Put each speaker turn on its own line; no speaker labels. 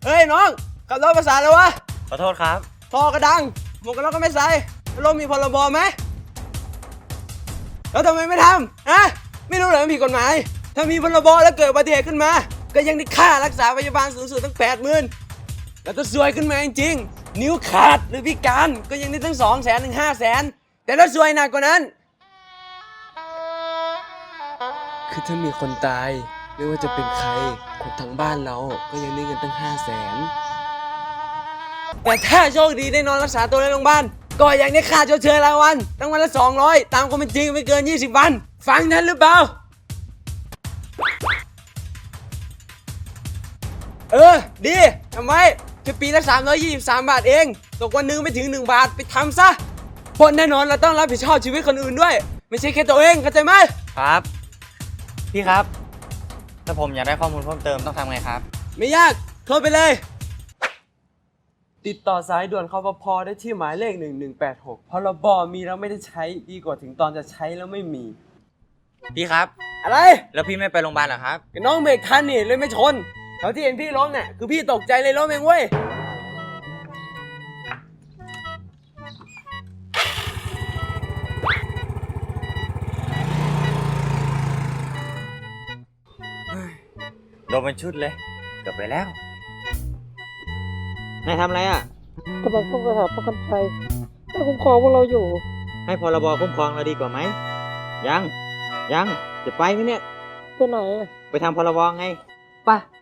ฮ้ยน้องขับรถภาษาเลยวะ
ขอโทษครับ
ท่อกระดังหมวกกันน็อกก็ไม่ใส่รถมีพรบไหมแล้วทำไมไม่ทำฮะไม่รู้เหรอมันผิดกฎหมายถ้ามีพรบแล้วเกิดอุบัติเหตุขึ้นมาก็ยังได้ค่ารักษาพยาบาลสูงสุดตั้ง80,000แล้วถ้าซวยขึ้นมาจริงๆนิ้วขาดหรือพิการก็ยังได้ตั้ง200,000 ถึง 500,000แต่ถ้าซวยหนักกว่านั้นคือถ้ามีคนตายไม่ว่าจะเป็นใครคนทั้งบ้านเราก็ยังได้เงินตั้ง500,000แต่ถ้าโชคดีได้นอนรักษาตัวในโรงพยาบาลก็ยังได้ค่าชดเชยรายวันตั้งวันละ200ตามความเป็นจริงไม่เกิน20 วันฟังทันหรือเปล่าดีทำไมแค่ปีละ323 บาทเองตกวันนึงไม่ถึง1 บาทไปทำซะเพราะแน่นอนเราต้องรับผิดชอบชีวิตคนอื่นด้วยไม่ใช่แค่ตัวเองเข้าใจไหม
ครับพี่ครับถ้าผมอยากได้ข้อมูลเพิ่มเติมต้องทำไงครับ
ไม่ยากโทรไปเลยติดต่อสายด่วนคปภ.ได้ที่หมายเลข1186พรบมีแล้วไม่ได้ใช้ดีกว่าถึงตอนจะใช้แล้วไม่มี
พี่ครับ
อะไร
แล้วพี่ไม่ไปโรงพยาบาลเหรอครับ
น้องเบรกทันนี่เลยไม่ชนตอนที่เห็นพี่ล้มเนี่ยคือพี่ตกใจเลยล้มเองเว้ย
โดนเป็นชุดเลยเกือบไปแล้วนายทำอะไรอ่ะ
กำลังท่องคาถาป้องกันภัยให้คุ้มครองพวกเราอยู่
ให้พรบคุ้มครองเราดีกว่าไหมยังจะไปไหมเนี่ย
ตัวไหน
ไปทำพรบไง
ไป